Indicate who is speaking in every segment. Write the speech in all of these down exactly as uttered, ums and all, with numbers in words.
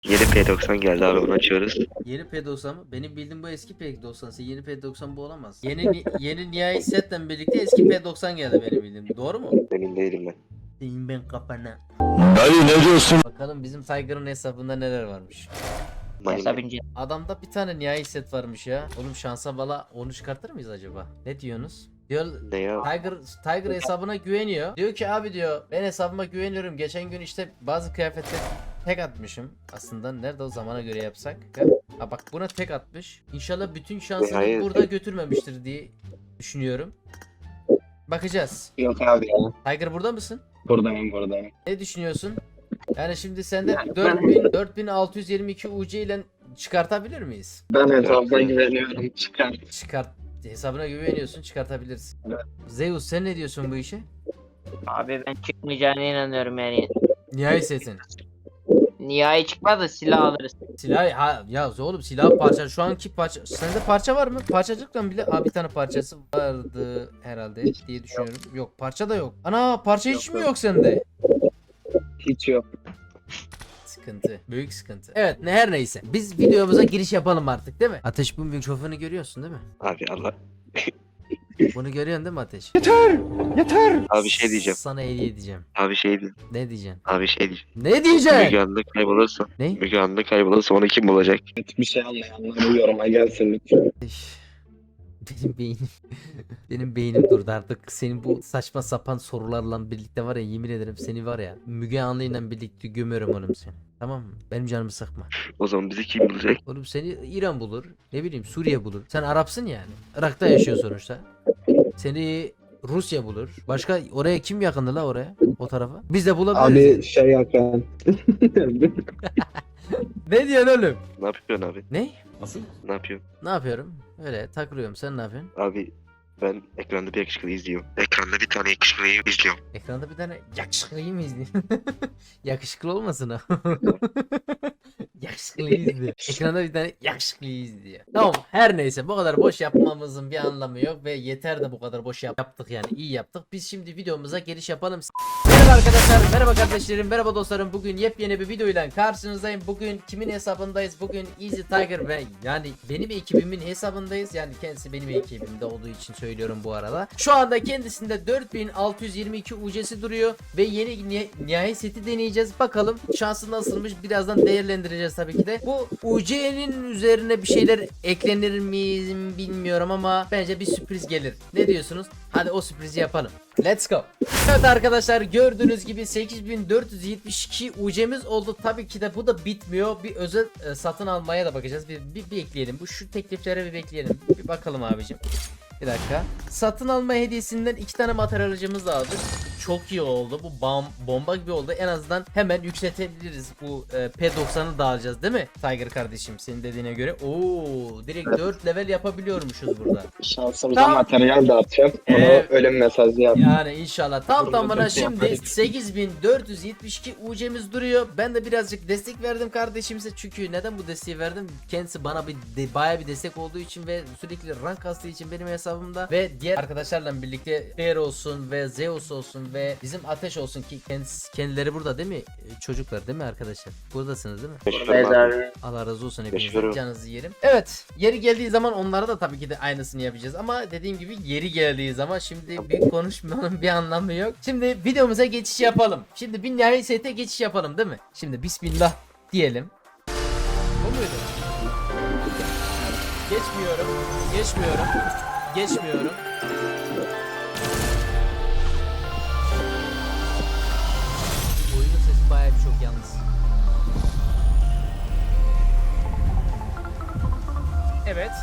Speaker 1: Yeni P doksan geldi abi, onu açıyoruz.
Speaker 2: Yeni P doksan mı? Benim bildiğim bu eski P doksan. Yeni P doksan bu olamaz. Yeni ni- yeni nihai setle birlikte eski P doksan geldi benim bildiğim. Doğru mu?
Speaker 1: Emin değilim ben.
Speaker 2: Deyim ben kafana.
Speaker 3: Dayı ne diyorsun?
Speaker 2: Bakalım bizim Tiger'ın hesabında neler varmış.
Speaker 4: Hesap ince.
Speaker 2: Adamda bir tane nihai set varmış ya. Oğlum şansa bala onu çıkartır mıyız acaba? Ne diyorsunuz? Diyor
Speaker 1: Ne ya?
Speaker 2: Tiger Tiger hesabına güveniyor. Diyor ki abi diyor ben hesabıma güveniyorum. Geçen gün işte bazı kıyafetler tek atmışım. Aslında nerede o zamana göre yapsak? Ha bak buna tek atmış. İnşallah bütün şansını
Speaker 1: Hayır.
Speaker 2: burada götürmemiştir diye düşünüyorum. Bakacağız.
Speaker 4: Yok abi ya.
Speaker 2: Tiger burada mısın?
Speaker 4: Buradayım buradayım.
Speaker 2: Ne düşünüyorsun? Yani şimdi sende
Speaker 4: Yani
Speaker 2: dört
Speaker 4: ben-
Speaker 2: bin dört bin altı yüz yirmi iki U C ile çıkartabilir miyiz?
Speaker 4: Ben hesabına güveniyorum. Çıkar.
Speaker 2: Çıkart. Hesabına güveniyorsun, çıkartabilirsin.
Speaker 4: Evet.
Speaker 2: Zeus sen ne diyorsun bu işe?
Speaker 5: Abi ben çıkmayacağına inanıyorum yani.
Speaker 2: Nihai setin.
Speaker 5: Nihai çıkmaz da silah alırız.
Speaker 2: Silah ha ya oğlum silah parça şu anki parça sende parça var mı? Parçacıktan bile ha bir tane parçası vardı herhalde diye düşünüyorum. Yok parça da yok. Ana parça hiç
Speaker 4: Yok,
Speaker 2: mi
Speaker 4: yok.
Speaker 2: yok sende?
Speaker 4: Hiç yok.
Speaker 2: Sıkıntı. Büyük sıkıntı. Evet ne her neyse. Biz videomuza giriş yapalım artık değil mi? Ateş bu mikrofonu görüyorsun değil mi?
Speaker 1: Abi Allah.
Speaker 2: Bunu görüyorsun değil mi Ateş?
Speaker 1: Abi şey diyeceğim.
Speaker 2: Sana hediye edeceğim.
Speaker 1: Abi şey diyeceğim.
Speaker 2: Ne diyeceksin?
Speaker 1: Abi şey diyeceğim.
Speaker 2: Ne
Speaker 1: Müge
Speaker 2: diyeceksin?
Speaker 1: Anlı kaybolursa.
Speaker 2: Ne?
Speaker 1: Müge Anlı kaybolursa onu kim bulacak?
Speaker 4: Bir şey anlayanlar yoruma gelsin lütfen.
Speaker 2: Üf, Benim beynim benim beynim durdu artık. Senin bu saçma sapan sorularla birlikte var ya yemin ederim seni var ya Müge Anlı'yla birlikte gömüyorum oğlum seni. Tamam mı? Benim canımı sıkma.
Speaker 1: O zaman bizi kim bulacak?
Speaker 2: Oğlum seni İran bulur. Ne bileyim Suriye bulur. Sen Arapsın yani. Irak'ta yaşıyor sonuçta. Seni Rusya bulur. Başka oraya kim yakındı la oraya? O tarafa. Biz de bulabiliriz.
Speaker 4: Abi şey yakan.
Speaker 2: Ne diyorsun oğlum?
Speaker 1: Ne yapıyorsun abi?
Speaker 2: Ne?
Speaker 1: Ne yapıyorsun?
Speaker 2: Ne yapıyorum? Öyle takılıyorum. Sen ne yapıyorsun?
Speaker 1: Abi ben ekranda bir yakışıklıyı izliyorum. Ekranda bir tane yakışıklıyı izliyorum.
Speaker 2: Ekranda bir tane yakışıklıyı mı izliyorsun? Yakışıklı olmasın o. Yakışıklıyı izliyor. Ekranda bir tane yakışıklıyı izliyor. Tamam her neyse bu kadar boş yapmamızın bir anlamı yok ve yeter de bu kadar boş yap- yaptık yani iyi yaptık. Biz şimdi videomuza giriş yapalım. Merhaba arkadaşlar, merhaba kardeşlerim, merhaba dostlarım. Bugün yepyeni bir videoyla karşınızdayım. Bugün kimin hesabındayız? Bugün Easy Tiger ve yani benim ekibimin hesabındayız. Yani kendisi benim ekibimde olduğu için söylüyorum bu arada. Şu anda kendisinde dört bin altı yüz yirmi iki U C'si duruyor ve yeni ni nihai seti deneyeceğiz. Bakalım şansı nasılmış birazdan değerlendireceğiz tabii ki de. Bu U C'nin üzerine bir şeyler eklenir mi bilmiyorum ama bence bir sürpriz gelir. Ne diyorsunuz? Hadi o sürprizi yapalım. Let's go. Evet arkadaşlar gördüğünüz gibi sekiz bin dört yüz yetmiş iki U C'miz oldu. Tabii ki de bu da bitmiyor. Bir özel e, satın almaya da bakacağız. Bir, bir bekleyelim. Bu şu tekliflere bir bekleyelim. Bir bakalım abicim. Bir dakika. Satın alma hediyesinden iki tane materyalcimiz aldık. Çok iyi oldu. Bu bom bomba gibi oldu. En azından hemen yükseltebiliriz. Bu e, P doksanı da alacağız değil mi? Tiger kardeşim senin dediğine göre. Oo, direkt dört level yapabiliyormuşuz burada.
Speaker 4: Şansımıza
Speaker 2: Tamam.
Speaker 4: materyal dağıtacağım. Onu
Speaker 2: Evet.
Speaker 4: ölüm mesajı yap.
Speaker 2: Yani inşallah. Tam
Speaker 4: Burada
Speaker 2: tamına
Speaker 4: çok
Speaker 2: şimdi
Speaker 4: yaparız.
Speaker 2: sekiz bin dört yüz yetmiş iki U C'miz duruyor. Ben de birazcık destek verdim kardeşimize. Çünkü neden bu desteği verdim? Kendisi bana bir de, bayağı bir destek olduğu için ve sürekli rank kastığı için benim hesabımda ve diğer arkadaşlarla birlikte Bear olsun ve Zeus olsun ve bizim Ateş olsun ki kendisi, kendileri burada değil mi? Ee, Çocuklar değil mi arkadaşlar? Buradasınız değil mi?
Speaker 1: Teşekkür abi.
Speaker 2: Allah razı olsun
Speaker 1: Teşekkür
Speaker 2: hepinizden
Speaker 1: ederim.
Speaker 2: canınızı yerim. Evet yeri geldiği zaman onlara da tabii ki de aynısını yapacağız ama dediğim gibi yeri geldiği zaman şimdi bir konuşmanın bir anlamı yok. Şimdi videomuza geçiş yapalım. Şimdi bir nihai sete geçiş yapalım değil mi? Şimdi bismillah diyelim. Bu muydu? Geçmiyorum. Geçmiyorum. Geçmiyorum. Oyunun sesi bayağı bir çok yalnız. Evet.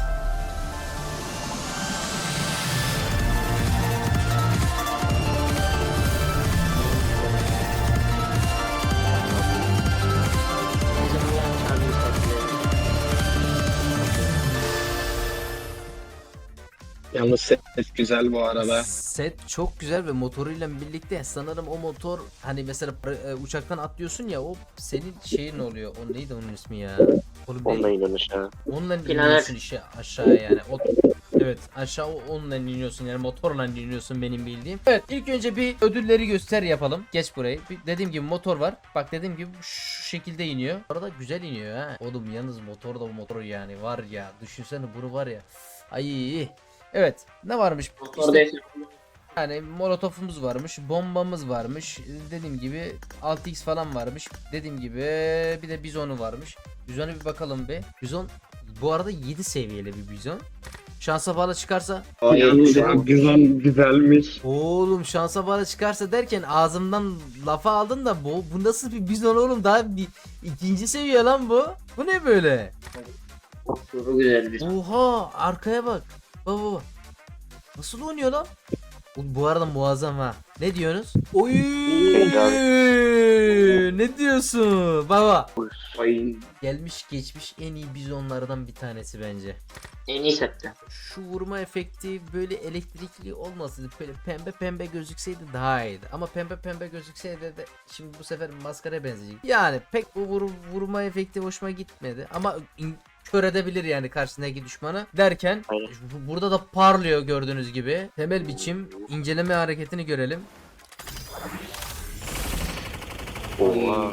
Speaker 4: Yalnız ses güzel bu arada.
Speaker 2: Set çok güzel ve motoruyla birlikte sanırım o motor hani mesela e, uçaktan atlıyorsun ya o senin şeyin oluyor. O neydi onun ismi ya? Oğlum ben-
Speaker 1: Onunla inanış ha.
Speaker 2: onunla
Speaker 5: Planör.
Speaker 2: iniyorsun işte aşağıya yani. O, Evet, aşağı onunla iniyorsun yani motorla iniyorsun benim bildiğim. Evet, ilk önce bir ödülleri göster yapalım. Geç burayı. Bir, dediğim gibi motor var. Bak dediğim gibi şu şekilde iniyor. Arada güzel iniyor ha. Oğlum yalnız motor da motor yani var ya. Düşünsene bunu var ya. Ay. Evet, ne varmış?
Speaker 5: Motor
Speaker 2: İşte-
Speaker 5: değil.
Speaker 2: Yani molotofumuz varmış, bombamız varmış. Dediğim gibi altı x falan varmış. Dediğim gibi bir de bizonu varmış. Bizona bir bakalım be. Bizon bu arada yedi seviyeli bir bizon. Şansa bağlı çıkarsa
Speaker 4: Ay güzel güzelmiş.
Speaker 2: oğlum şansa bağlı çıkarsa derken ağzımdan lafa aldın da bu bu nasıl bir bizon oğlum, daha bir ikinci seviye lan bu. Bu ne böyle?
Speaker 5: Çok güzel bir.
Speaker 2: Oha arkaya bak. Baba baba. Nasıl oynuyor lan? Bu, bu arada muazzam ha. Ne diyorsunuz? Oy! Ne diyorsun? Baba.
Speaker 4: Ay
Speaker 2: Gelmiş geçmiş en iyi bizonlardan bir tanesi bence.
Speaker 5: En iyi sette.
Speaker 2: Şu vurma efekti böyle elektrikli olmasaydı, böyle pembe pembe gözükseydi daha iyiydi. Ama pembe pembe gözükseydi de şimdi bu sefer maskara benzeyecek. Yani pek bu vur, vurma efekti hoşuma gitmedi. Ama in- kör edebilir yani karşısındaki düşmanı derken
Speaker 1: Aynen.
Speaker 2: bu- burada da parlıyor gördüğünüz gibi. Temel biçim inceleme hareketini görelim.
Speaker 1: Oha.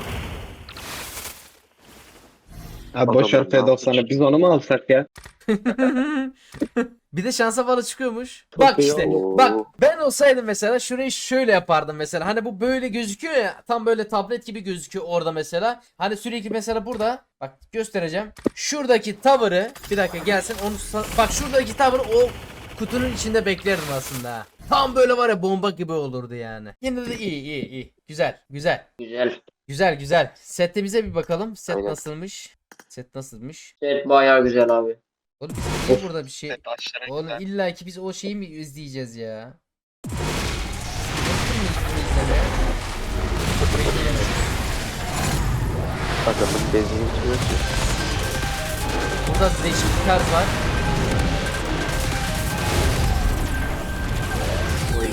Speaker 4: Ha boş ver F doksanı, biz onu mu alsak ya?
Speaker 2: Bir de şansa bağlı çıkıyormuş. Bak
Speaker 4: iyi
Speaker 2: işte.
Speaker 1: oldu.
Speaker 2: Bak ben olsaydım mesela şurayı şöyle yapardım mesela. Hani bu böyle gözüküyor ya. Tam böyle tablet gibi gözüküyor orada mesela. Hani sürekli mesela burada. Bak göstereceğim. Şuradaki tavırı. Bir dakika gelsin. Onu sa- bak şuradaki tavır o kutunun içinde beklerdim aslında. ha. Tam böyle var ya bomba gibi olurdu yani. Yine de iyi iyi iyi. Güzel güzel.
Speaker 5: Güzel.
Speaker 2: Güzel güzel. Setimize bir bakalım. Set
Speaker 1: Aynen.
Speaker 2: nasılmış? Set nasılmış?
Speaker 5: Set bayağı güzel abi.
Speaker 2: Oğlum biz niye burada bir şey...
Speaker 4: Başlara
Speaker 2: Oğlum illa ki biz o şeyi mi izleyeceğiz ya? Yaptın mı bunu izlemeye?
Speaker 1: Adamın benzini bitiyor ki.
Speaker 2: Burada değişik bir tarz var.
Speaker 1: Oy.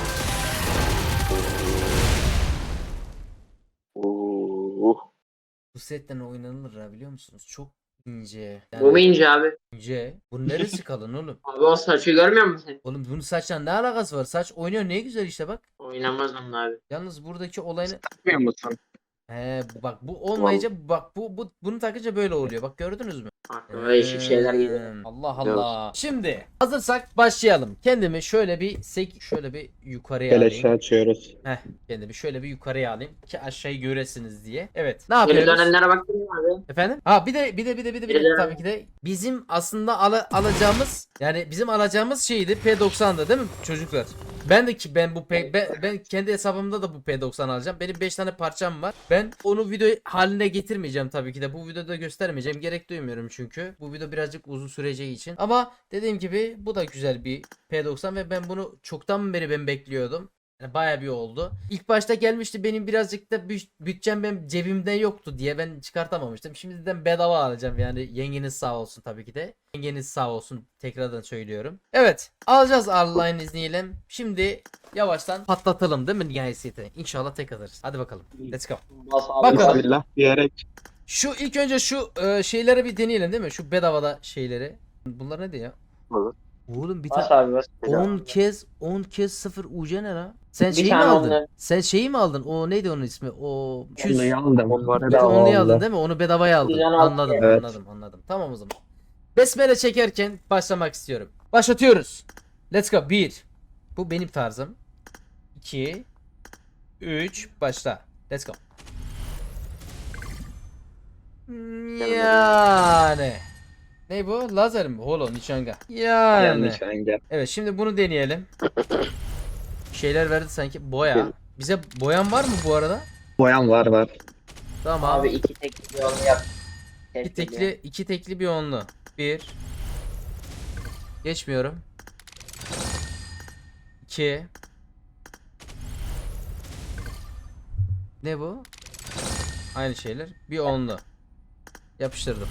Speaker 1: Oo.
Speaker 2: Bu setten oynanılır ha, biliyor musunuz? Çok ince.
Speaker 5: Bu mu ince abi?
Speaker 2: ince. Bunun neresi kalın oğlum?
Speaker 5: Abi o saçı görmüyor musun sen?
Speaker 2: Oğlum bunun saçla ne alakası var? Saç oynuyor ne güzel işte bak.
Speaker 5: Oynamaz onun abi.
Speaker 2: Yalnız buradaki olayını...
Speaker 4: takmıyor musun?
Speaker 2: He bak bu olmayınca bak bu, bu bunu takınca böyle oluyor. Bak gördünüz mü?
Speaker 5: Aklıma değişik şeyler geliyor.
Speaker 2: Hmm, Allah Allah. Şimdi hazırsak başlayalım. Kendimi şöyle bir sek şöyle bir yukarıya
Speaker 4: Beleşe
Speaker 2: alayım.
Speaker 4: açıyoruz.
Speaker 2: Heh, kendimi şöyle bir yukarıya alayım ki aşağıyı göresiniz diye. Evet. Ne
Speaker 5: Geri
Speaker 2: yapıyoruz?
Speaker 5: dönenlere baktın mı abi?
Speaker 2: Efendim? Ha bir de bir de bir de bir de, bir de
Speaker 5: Geri
Speaker 2: tabii ki de bizim aslında ala- alacağımız yani bizim alacağımız şeydi P doksan'dı değil mi çocuklar? Ben de ki ben bu P, ben, ben kendi hesabımda da bu P doksan alacağım. Benim beş tane parçam var. Ben onu video haline getirmeyeceğim tabii ki de. Bu videoda göstermeyeceğim. Gerek duymuyorum çünkü. Bu video birazcık uzun süreceği için. Ama dediğim gibi bu da güzel bir P doksan ve ben bunu çoktan beri ben bekliyordum. Yani bayağı bir oldu. İlk başta gelmişti, benim birazcık da büt- bütçem benim cebimde yoktu diye ben çıkartamamıştım. Şimdiden bedava alacağım yani, yengeniz sağ olsun tabii ki de. Yengeniz sağ olsun tekrardan söylüyorum. Evet, alacağız Allah'ın izniyle. Şimdi yavaştan patlatalım değil mi nihayetinde? İnşallah tek alırız. Hadi bakalım. Let's go.
Speaker 5: Bas abi.
Speaker 2: Bakalım.
Speaker 4: Bismillah diyerek.
Speaker 2: Şu ilk önce şu e, şeyleri bir deneyelim değil mi? Şu bedavada şeyleri. Bunlar ne diyor?
Speaker 1: Olur.
Speaker 2: Oğlum bir
Speaker 5: Bas
Speaker 2: tane
Speaker 5: abi bas.
Speaker 2: on kez on kez sıfır U C ne la? Sen
Speaker 5: Bir
Speaker 2: şeyi mi
Speaker 5: tane
Speaker 2: aldın?
Speaker 5: onunla.
Speaker 2: Sen şeyi mi aldın? O neydi onun ismi? O küs.
Speaker 4: Onu aldım.
Speaker 1: Onlar
Speaker 2: Bir
Speaker 4: Bedava
Speaker 2: onluyu
Speaker 4: aldım.
Speaker 2: aldın değil mi? Onu bedavaya aldın.
Speaker 5: Güzel aldım.
Speaker 2: Anladım,
Speaker 4: Evet.
Speaker 2: anladım, anladım. Tamam o zaman. Besmele çekerken başlamak istiyorum. Başlatıyoruz. Let's go. bir. Bu benim tarzım. iki. üç. Başla. Let's go. Yani. Ne bu? Lazer mi? Holo, nişanga. Yani.
Speaker 4: Yanlış engel.
Speaker 2: Evet, şimdi bunu deneyelim. Bir şeyler verdi sanki. Boya. Bize boyan var mı bu arada?
Speaker 4: Boyan var var.
Speaker 2: Tamam.
Speaker 5: Abi iki tekli bir yolu yap.
Speaker 2: İki tekli, iki tekli bir onlu. Bir. Geçmiyorum. İki. Ne bu? Aynı şeyler. Bir onlu. Yapıştırdım.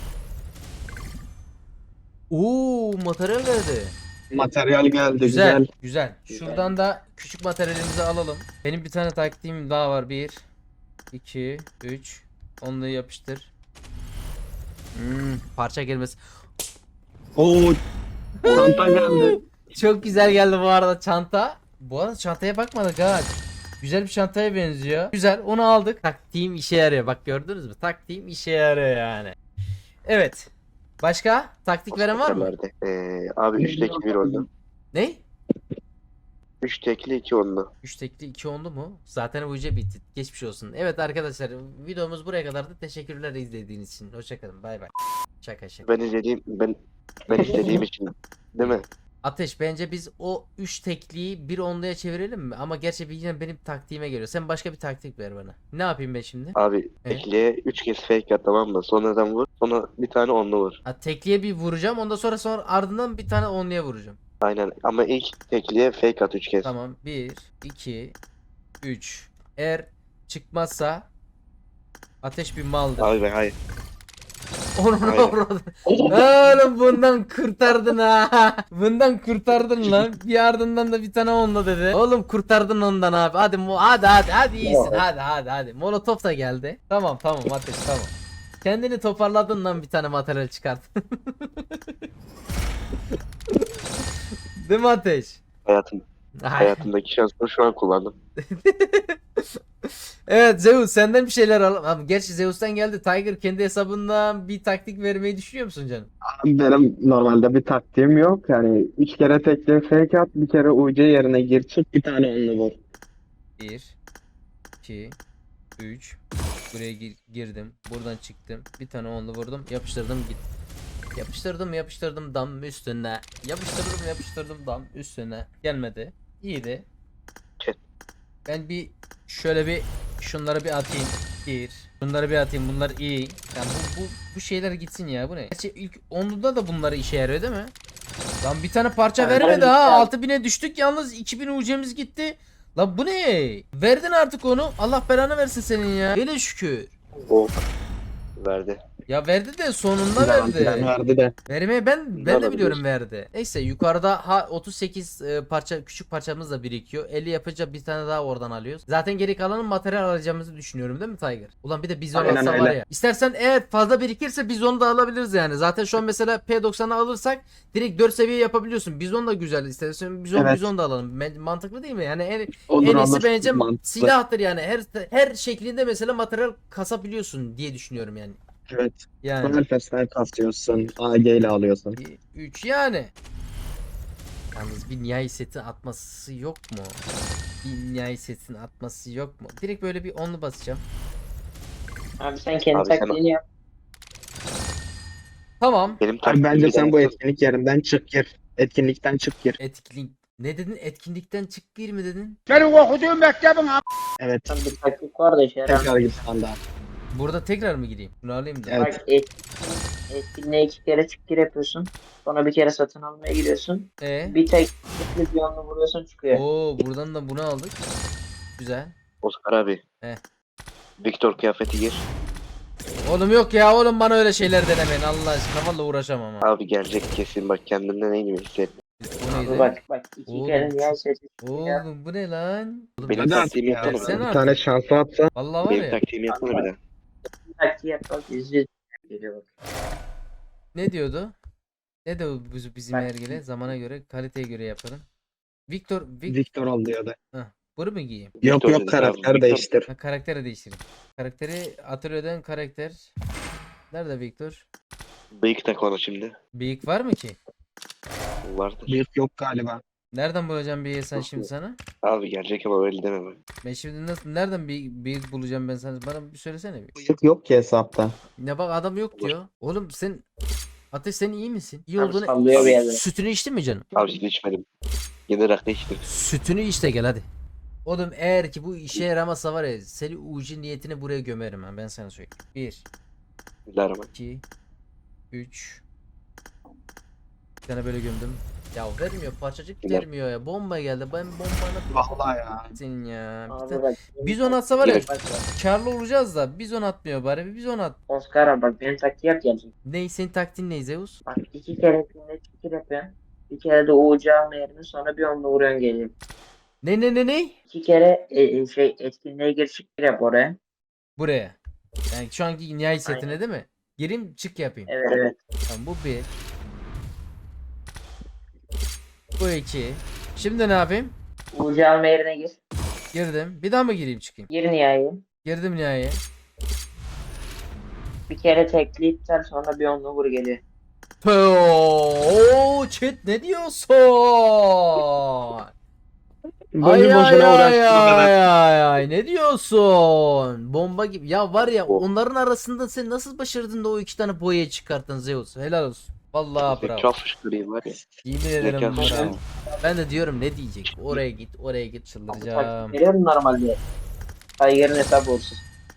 Speaker 2: Oo, materyal verdi.
Speaker 4: Materyal geldi
Speaker 2: Güzel,
Speaker 4: güzel.
Speaker 2: güzel. Şuradan da küçük materyalimizi alalım. Benim bir tane taktiğim daha var. Bir, iki, üç. Onlu yapıştır. Hmm, parça gelmesi.
Speaker 4: Oo Çanta geldi.
Speaker 2: Çok güzel geldi bu arada çanta. Bu arada çantaya bakmadık ha. Güzel bir çantaya benziyor. Güzel, onu aldık. Taktiğim işe yarıyor. Bak gördünüz mü? Taktiğim işe yarıyor yani. Evet. Başka? Taktik veren var mı?
Speaker 1: Verdi. Ee, abi üç tekli bir onlu.
Speaker 2: Ne?
Speaker 1: üç tekli iki onlu.
Speaker 2: üç tekli iki onlu mu? Zaten bu iyice bitti. Geçmiş olsun. Evet arkadaşlar, videomuz buraya kadardı. Teşekkürler izlediğiniz için. Hoşçakalın. Bay bay. Şaka şaka.
Speaker 1: Ben izlediğim ben ben istediğim için değil mi?
Speaker 2: Ateş, bence biz o üç tekliyi bir onluya çevirelim mi? Ama gerçi bir- yine benim taktiğime geliyor. Sen başka bir taktik ver bana. Ne yapayım ben şimdi?
Speaker 1: Abi
Speaker 2: Evet.
Speaker 1: tekliye üç kez fake at, tamam mı? Sonradan vur. Sonra bir tane onlu vur.
Speaker 2: Ha, tekliye bir vuracağım. Ondan sonra sonra ardından bir tane onluya vuracağım.
Speaker 1: Aynen ama ilk tekliye fake at üç kez.
Speaker 2: Tamam. bir, iki, üç. Eğer çıkmazsa Ateş bir maldır.
Speaker 1: Abi ben hayır.
Speaker 2: Onun
Speaker 1: Aynen.
Speaker 2: orada. Oğlum bundan kurtardın ha. Bundan kurtardın lan. Bir ardından da bir tane onunla dedi. Oğlum kurtardın ondan abi. Hadi mo hadi hadi hadi iyisin. Hadi hadi hadi. Molotov da geldi. Tamam tamam Ateş tamam. Kendini toparladın lan, bir tane materyal çıkart. Değil mi Ateş?
Speaker 1: Hayatım,
Speaker 2: Ay.
Speaker 1: hayatımdaki şansımı şu an kullandım.
Speaker 2: Evet Zeus, senden bir şeyler alalım. Ama gerçi Zeus'tan geldi. Tiger kendi hesabından bir taktik vermeyi düşünüyor musun canım?
Speaker 4: Benim normalde bir taktiğim yok. Yani üç kere tekli fake at, bir kere U C yerine gir çık, bir tane onlu vur.
Speaker 2: bir, iki, üç. Buraya gir- girdim. Buradan çıktım. Bir tane onlu vurdum. Yapıştırdım git. Yapıştırdım yapıştırdım dam üstüne. Yapıştırdım yapıştırdım dam üstüne. Gelmedi. İyiydi.
Speaker 1: Çet.
Speaker 2: Ben bir şöyle bir şunları bir atayım. Bir. Bunları bir atayım. Bunlar iyi. Yani bu, bu, bu şeyler gitsin ya. Bu ne? Gerçi ilk onluda da bunları işe yarıyor değil mi? Lan bir tane parça
Speaker 5: Yani
Speaker 2: vermedi
Speaker 5: ben-
Speaker 2: ha. altı bine düştük yalnız, iki bin ucemiz gitti. Lan bu ne? Verdin artık onu. Allah belanı versin senin ya. Hele şükür.
Speaker 1: O verdi.
Speaker 2: Ya verdi de sonunda
Speaker 4: Garantiden
Speaker 2: verdi.
Speaker 4: verdi de.
Speaker 2: Vermeye ben ben de
Speaker 1: Olabilir.
Speaker 2: biliyorum verdi. Neyse yukarıda ha otuz sekiz e, parça küçük parçamız da birikiyor. elli yapınca bir tane daha oradan alıyoruz. Zaten geri kalanın materyal alacağımızı düşünüyorum değil mi Tiger? Ulan bir de bizon
Speaker 4: Aynen
Speaker 2: alsa var
Speaker 4: öyle.
Speaker 2: ya. İstersen eğer fazla birikirse bizonu da alabiliriz yani. Zaten şu an mesela P doksan'ı alırsak direkt dört seviye yapabiliyorsun. Bizon da güzel. İstersen bizon
Speaker 4: Evet.
Speaker 2: bizon da alalım. Men- Mantıklı değil mi? Yani en,
Speaker 4: Olur,
Speaker 2: en iyisi
Speaker 4: olur.
Speaker 2: bence
Speaker 4: Mantıklı.
Speaker 2: silahtır yani. Her her şeklinde mesela materyal kasabiliyorsun diye düşünüyorum yani.
Speaker 4: Evet.
Speaker 2: Yani.
Speaker 4: Sniper kasıyorsun. A G ile alıyorsun.
Speaker 2: üç yani. Yalnız bir nihai setin atması yok mu? Bir nihai setin atması yok mu? Direkt böyle bir onlu basacağım.
Speaker 5: Abi sen kendi
Speaker 1: Abi sen-
Speaker 5: taktiğini yap.
Speaker 2: Tamam.
Speaker 1: Benim
Speaker 4: Abi
Speaker 1: taktiğim
Speaker 4: bence
Speaker 1: bir
Speaker 4: sen
Speaker 1: tane-
Speaker 4: bu etkinlik yerinden çık gir. Etkinlikten çık gir.
Speaker 2: Etkinlik. Ne dedin? Etkinlikten çık gir mi dedin?
Speaker 4: Evet.
Speaker 5: Tam bir taktik var da işe yaramıyor.
Speaker 4: Tekrar gir standart.
Speaker 2: Burada tekrar mı gireyim? Bunu alayım da.
Speaker 4: Evet.
Speaker 5: Bak etkinliğe, etkinliğe iki kere çık gir yapıyorsun. Sonra bir kere satın almaya giriyorsun.
Speaker 2: E?
Speaker 5: Bir tek tekli bir onlu vuruyorsun çıkıyor.
Speaker 2: Oo, buradan da bunu aldık. Güzel.
Speaker 1: Oscar abi.
Speaker 2: He.
Speaker 1: Victor kıyafeti gir.
Speaker 2: Oğlum yok ya, oğlum bana öyle şeyler denemeyin. Allah aşkına valla uğraşamam ha.
Speaker 1: Abi gelecek kesin, bak kendimden en iyi hissettim.
Speaker 2: Bu
Speaker 5: Abi
Speaker 2: neydi?
Speaker 5: bak bak iki
Speaker 2: Oğlum,
Speaker 5: kere niye sesi
Speaker 2: Oğlum bu ne lan? Oğlum,
Speaker 1: Benim
Speaker 4: Hadi
Speaker 1: taktiğimi
Speaker 4: artık ya.
Speaker 1: yapsana
Speaker 2: Sen
Speaker 1: bir
Speaker 2: artık.
Speaker 4: Bir tane şansı atsa.
Speaker 2: Vallahi var
Speaker 1: Benim
Speaker 2: ya.
Speaker 1: taktiğimi yapsana bir daha.
Speaker 5: taktiği yap bak yüzde geliyor bak.
Speaker 2: Ne diyordu? Ne de bu bizim
Speaker 5: Bak.
Speaker 2: ergele zamana göre, kaliteye göre yaparım. Victor, Vic,
Speaker 4: Victor ol diyordu.
Speaker 2: bunu mu giyeyim?
Speaker 4: Yok
Speaker 1: Victor
Speaker 4: yok
Speaker 1: dedik
Speaker 4: karakter
Speaker 1: abi, Victor.
Speaker 4: değiştir.
Speaker 2: Ha, karakteri değiştireyim. Karakteri atölyeden karakter. Nerede Victor?
Speaker 1: Bıyık tak ona şimdi.
Speaker 2: Bıyık var mı ki?
Speaker 1: Vardır.
Speaker 4: Büyük yok galiba.
Speaker 2: Nereden bulacağım bıyığı sen şimdi sana?
Speaker 1: Abi gelecek ama öyle deme bak.
Speaker 2: Ben şimdi nasıl, nereden bir bıyık bulacağım ben sana? Bana bir söylesene bir.
Speaker 4: Büyük yok ki hesapta.
Speaker 2: Ne bak adam yok diyor. Oğlum sen Ateş, sen iyi misin? İyi
Speaker 5: Abi
Speaker 2: olduğunu.
Speaker 5: sallıyor bir yerde.
Speaker 2: Sütünü içtin mi canım?
Speaker 1: Abi şimdi içmedim. Yeni rakı içtim.
Speaker 2: Sütünü iç de gel hadi. Oğlum eğer ki bu işe yaramazsa var ya, seni ucu niyetini buraya gömerim ha, ben sana söyleyeyim. bir,
Speaker 1: Bismillahirrahmanirrahim.
Speaker 2: iki, üç. Bir tane böyle gömdüm. Ya vermiyor, parçacık
Speaker 1: Güzel.
Speaker 2: vermiyor ya. Bomba geldi. Ben bombanı
Speaker 4: Vallahi ya.
Speaker 2: senin ya. Bir
Speaker 5: Abi
Speaker 2: tane-
Speaker 5: bak.
Speaker 2: Bizon atsa var ya,
Speaker 5: Bak, bak.
Speaker 2: karlı olacağız da bizon atmıyor bari, bir bizon at.
Speaker 5: Oscar abi bak benim taktiği yap gelecek.
Speaker 2: Ney senin taktiğin ne Zeus?
Speaker 5: Bak iki kere etkinliğe çık gir yapıyorsun. Bir kere de U C alma yerine sonra bir onlu vuruyorsun geliyor.
Speaker 2: Ne ne ne ne?
Speaker 5: İki kere e, e, şey etkinliğe gir çık gir yap oraya.
Speaker 2: Buraya. Yani şu anki nihai setine
Speaker 5: Aynen.
Speaker 2: değil mi? Gireyim çık yapayım.
Speaker 5: Evet evet.
Speaker 2: Tamam bu bir. Bu iki. Şimdi ne yapayım?
Speaker 5: Uğurcu alma yerine gir.
Speaker 2: Girdim. Bir daha mı gireyim çıkayım?
Speaker 5: Gir nihai.
Speaker 2: Girdim nihayet.
Speaker 5: Bir kere tekleyip sen sonra bir onunla vur geliyor.
Speaker 2: Oo, chat ne diyorsun?
Speaker 4: Boşu
Speaker 2: Ay ay
Speaker 4: boşuna
Speaker 2: ay
Speaker 4: uğraştım o kadar.
Speaker 2: ay ay ay ne diyorsun? Bomba gibi. Ya var ya
Speaker 1: Oh.
Speaker 2: onların arasında sen nasıl başardın da o iki tane boya çıkarttın Zeus? Helal olsun. Vallahi bravo.
Speaker 1: Çok fışkırayım var ya.
Speaker 2: Yemin ederim
Speaker 1: Zeka
Speaker 2: bravo.
Speaker 1: fışkırayım.
Speaker 2: Ben de diyorum ne diyecek? Oraya git, oraya git çıldıracağım.
Speaker 5: Veriyor mu normalde? Tiger'ın hesabı uğursuz.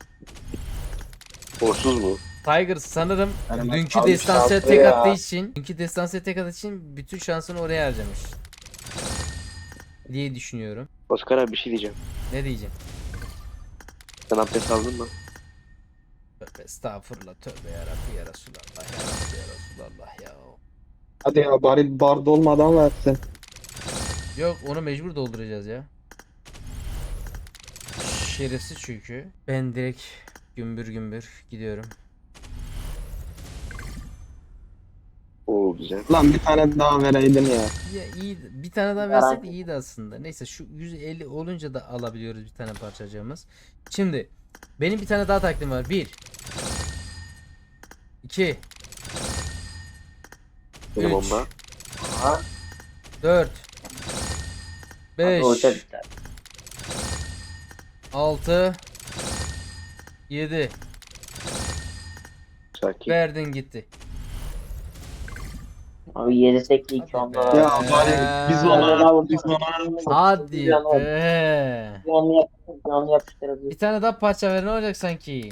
Speaker 1: Borsuz mu?
Speaker 2: Tiger sanırım
Speaker 4: Yani
Speaker 2: dünkü
Speaker 4: abi
Speaker 2: destansiye
Speaker 4: şanslı
Speaker 2: tek
Speaker 4: ya.
Speaker 2: attığı için, dünkü destansiye tek attığı için bütün şansını oraya harcamış. Diye düşünüyorum.
Speaker 1: Oscar abi bir şey diyeceğim.
Speaker 2: Ne diyeceğim?
Speaker 1: Sen abdest aldın mı?
Speaker 2: Tövbe estağfurullah, tövbe yarabbi ya Resulallah, ya Rabbi ya Resulallah ya.
Speaker 4: Hadi ya bari bar dolmadan versin.
Speaker 2: Yok onu mecbur dolduracağız ya. Şerefsiz çünkü. Ben direkt gümbür gümbür gidiyorum.
Speaker 1: Oo güzel.
Speaker 4: Lan bir tane daha vereydin ya.
Speaker 2: Ya iyi, bir tane daha versek iyiydi aslında. Neyse şu yüz elli olunca da alabiliyoruz bir tane parçacığımız. Şimdi benim bir tane daha takdim var. bir iki
Speaker 1: Benim
Speaker 2: üç
Speaker 1: bomba.
Speaker 5: Aha.
Speaker 2: dört beş
Speaker 5: Uğurcu bitti.
Speaker 2: altı yedi
Speaker 1: Sakin.
Speaker 2: verdin gitti.
Speaker 5: Abi yedi tekli iki
Speaker 2: Hadi
Speaker 5: onda.
Speaker 2: be.
Speaker 4: Ya bari biz ona biz ona
Speaker 2: Hadi
Speaker 5: Bir onu-
Speaker 2: be.
Speaker 5: bir onu yapıştır, bir onu yapıştırabilir.
Speaker 2: Bir tane daha parça ver ne olacak sanki?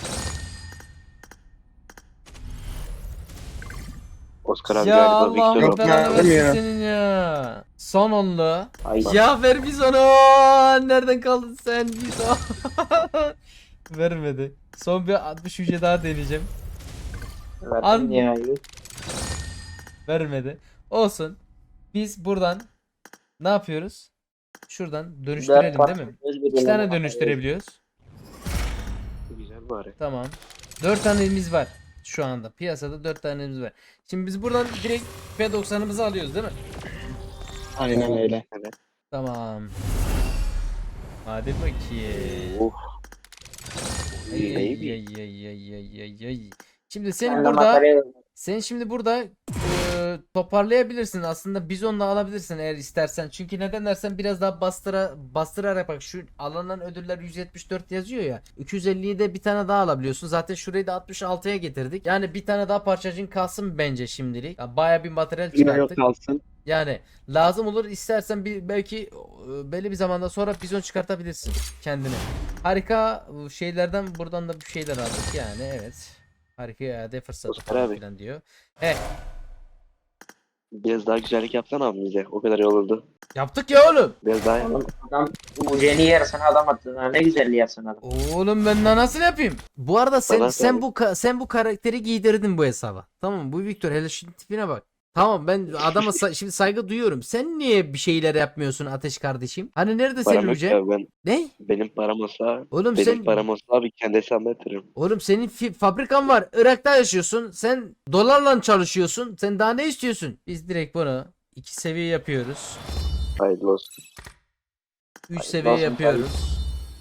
Speaker 1: Oscar abi
Speaker 2: Ya
Speaker 1: galiba
Speaker 2: Allah'ım
Speaker 1: Victor
Speaker 4: Yok
Speaker 1: oldu.
Speaker 2: belanı
Speaker 4: verdim
Speaker 2: versin
Speaker 4: ya.
Speaker 2: senin ya. Son onlu.
Speaker 5: Ay.
Speaker 2: Ya ver biz onu. Nereden kaldın sen biz o? Vermedi. Son bir altmış hücre daha deneyeceğim. An-
Speaker 5: Verdim nihai.
Speaker 2: Vermedi. Olsun. Biz buradan ne yapıyoruz? Şuradan
Speaker 5: Dört
Speaker 2: dönüştürelim değil
Speaker 5: parça
Speaker 2: mi?
Speaker 5: göz
Speaker 2: İki
Speaker 5: birliğine
Speaker 2: tane
Speaker 5: bakar.
Speaker 2: dönüştürebiliyoruz.
Speaker 1: Güzel bari.
Speaker 2: Tamam. Dört tanemiz var. Şu anda piyasada dört tanemiz var. Şimdi biz buradan direkt P doksanımızı alıyoruz değil mi?
Speaker 4: aynen öyle.
Speaker 1: Evet.
Speaker 2: Tamam. Hadi bakayım.
Speaker 1: Oh.
Speaker 2: Ay,
Speaker 1: Ay,
Speaker 2: ay,
Speaker 1: baby.
Speaker 2: ay, ay, ay, ay, ay, ay. Şimdi
Speaker 5: Ben
Speaker 2: senin
Speaker 5: de
Speaker 2: burada
Speaker 5: materyal aldım.
Speaker 2: sen şimdi burada e, toparlayabilirsin aslında bizonla alabilirsin eğer istersen. Çünkü neden dersen biraz daha bastıra bastırarak bak şu alınan ödüller yüz yetmiş dört yazıyor ya. iki yüz elliyi de bir tane daha alabiliyorsun. Zaten şurayı da altmış altıya getirdik. Yani bir tane daha parçacığın kalsın bence şimdilik. Ya baya bir materyal
Speaker 4: Yine yok
Speaker 2: çıkarttık.
Speaker 4: kalsın.
Speaker 2: Yani lazım olur istersen bir belki e, belli bir zamanda sonra bizon çıkartabilirsin kendine. Harika e, şeylerden buradan da bir şeyler aldık yani evet. Harika iade fırsatı
Speaker 1: Oscar
Speaker 2: falan
Speaker 1: abi.
Speaker 2: filan diyor. He
Speaker 1: Biraz daha güzellik yapsana abi bize. O kadar iyi olurdu.
Speaker 2: yaptık ya oğlum.
Speaker 1: Biraz daha
Speaker 5: Oğlum adam Uğurcu'nun yarısını adam attı. Ha, ne güzelliği yapsın adam.
Speaker 2: Oğlum ben daha nasıl yapayım? Bu arada sen
Speaker 1: Bana
Speaker 2: sen
Speaker 1: söyle.
Speaker 2: bu ka- sen bu karakteri giydirdin bu hesaba. Tamam mı? Bu Victor hele şu tipine bak. Tamam ben adama sa- şimdi saygı duyuyorum. Sen niye bir şeyler yapmıyorsun Ateş kardeşim? Hani nerede senin
Speaker 1: param yok
Speaker 2: Yüce?
Speaker 1: ya ben.
Speaker 2: Ne?
Speaker 1: Benim param olsa.
Speaker 2: Oğlum
Speaker 1: Benim
Speaker 2: sen
Speaker 1: param olsa abi kendi hesabıma yatırırım.
Speaker 2: Oğlum senin fi- fabrikan var. Irak'ta yaşıyorsun. Sen dolarla çalışıyorsun. Sen daha ne istiyorsun? Biz direkt bunu iki seviye yapıyoruz.
Speaker 1: Hayırlı olsun.
Speaker 2: üç
Speaker 5: Hayırlı
Speaker 2: seviye
Speaker 5: olsun
Speaker 2: yapıyoruz.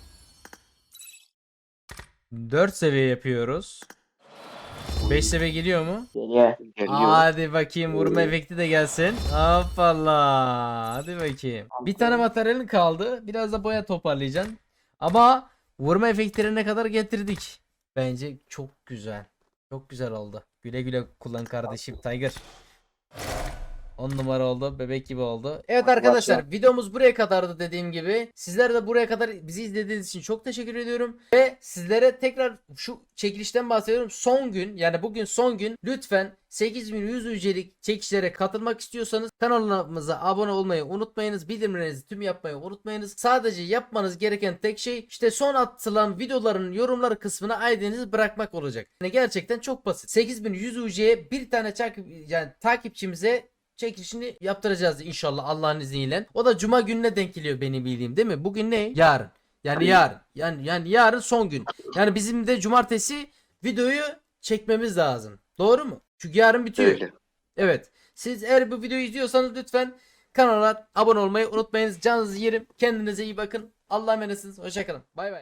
Speaker 2: dört seviye yapıyoruz. beş seviye geliyor mu?
Speaker 5: Geliyor.
Speaker 1: Geliyor.
Speaker 2: Hadi bakayım vurma
Speaker 1: Oo.
Speaker 2: efekti de gelsin. Hoppala. Hadi bakayım. Bir tane materyalin kaldı. Biraz da boya toparlayacaksın. Ama vurma efektlerine kadar getirdik. Bence çok güzel. Çok güzel oldu. Güle güle kullan kardeşim Tiger. on numara oldu. Bebek gibi oldu. Evet arkadaşlar videomuz buraya kadardı dediğim gibi. Sizler de buraya kadar bizi izlediğiniz için çok teşekkür ediyorum. Ve sizlere tekrar şu çekilişten bahsediyorum. Son gün yani bugün son gün lütfen sekiz bin yüz ücelik çekişlere katılmak istiyorsanız kanalımıza abone olmayı unutmayınız. Bildirimlerinizi tüm yapmayı unutmayınız. Sadece yapmanız gereken tek şey işte son atılan videoların yorumları kısmına I D'nizi bırakmak olacak. Yani gerçekten çok basit. sekiz bin yüz üceye bir tane takip yani takipçimize çekilişini yaptıracağız inşallah Allah'ın izniyle. O da cuma gününe denk geliyor benim bildiğim değil mi? Bugün ne? Yarın. Yani yarın. Yani yani yarın son gün. Yani bizim de cumartesi videoyu çekmemiz lazım. Doğru mu? Çünkü yarın bitiyor.
Speaker 1: Öyle.
Speaker 2: Evet. Siz eğer bu videoyu izliyorsanız lütfen kanala abone olmayı unutmayınız. Canınızı yerim. Kendinize iyi bakın. Allah'a emanetsiniz. Hoşçakalın. Bay bay.